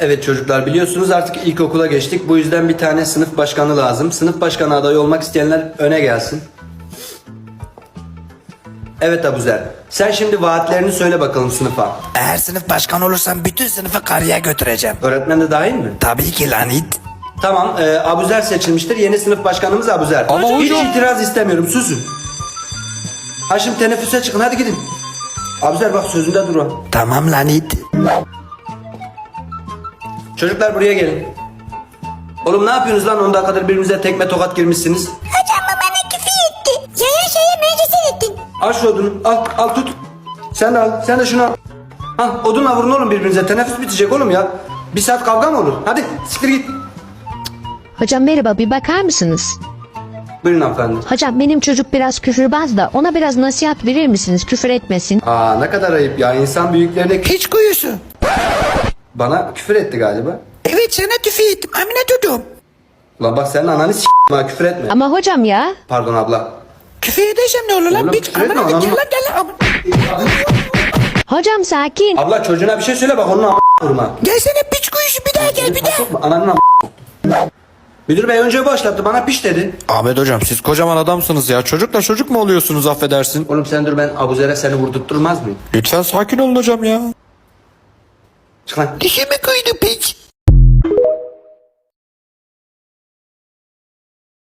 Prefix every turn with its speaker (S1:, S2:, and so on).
S1: Evet çocuklar, biliyorsunuz artık ilkokula geçtik. Bu yüzden bir tane sınıf başkanı lazım. Sınıf başkanı adayı olmak isteyenler öne gelsin. Evet Abuzer. Sen şimdi vaatlerini söyle bakalım sınıfa.
S2: Eğer sınıf başkanı olursam bütün sınıfı karıya götüreceğim.
S1: Öğretmen de dahil mi?
S2: Tabii ki lan it.
S1: Tamam, Abuzer seçilmiştir. Yeni sınıf başkanımız Abuzer.
S3: Ama
S1: Hiç
S3: hocam-
S1: itiraz istemiyorum. Susun. Ha şimdi teneffüse çıkın. Hadi gidin. Abuzer bak, sözünde dur o.
S2: Tamam lan it.
S1: Çocuklar buraya gelin. Oğlum ne yapıyorsunuz lan? 10 dakikadır birbirinize tekme tokat girmişsiniz.
S4: Hocam bu bana küfür etti. Şeye meclisin ettin.
S1: Al şu odunu. Al tut. Sen de al. Sen de şunu al. Ha, odunla vurun oğlum birbirinize. Teneffüs bitecek oğlum ya. Bir saat kavga mı olur? Hadi siktir git.
S5: Hocam merhaba, bir bakar mısınız?
S1: Buyurun hanımefendi.
S5: Hocam benim çocuk biraz küfürbaz da ona biraz nasihat verir misiniz, küfür etmesin?
S1: Aa ne kadar ayıp ya. İnsan büyüklerine
S2: Hiç kuyusu.
S1: bana küfür etti galiba.
S2: Evet sana tüfeği ettim Amine Dudum.
S1: Ulan bak senin ananı ha, küfür etme.
S5: Ama hocam ya.
S1: Pardon abla.
S2: Küfür edeceğim ne olur lan
S1: Oğlum,
S2: biç.
S1: küfür etme,
S2: Amine
S1: anam.
S2: gel lan gel lan.
S5: Hocam sakin.
S1: Abla çocuğuna bir şey söyle bak, onun vurma.
S2: Gelsene piç kuyusu bir daha gel bir daha.
S1: Sokma ananın Müdür bey önce başlattı, bana piş dedi.
S3: Ahmet hocam siz kocaman adamsınız ya. Çocukla çocuk mu oluyorsunuz affedersin?
S1: Oğlum sen dur, ben Abuzer'e seni vurdurtturmaz mıyım?
S3: Lütfen sakin olun hocam ya.
S1: Çık lan.
S2: Dişimi kuydu piç.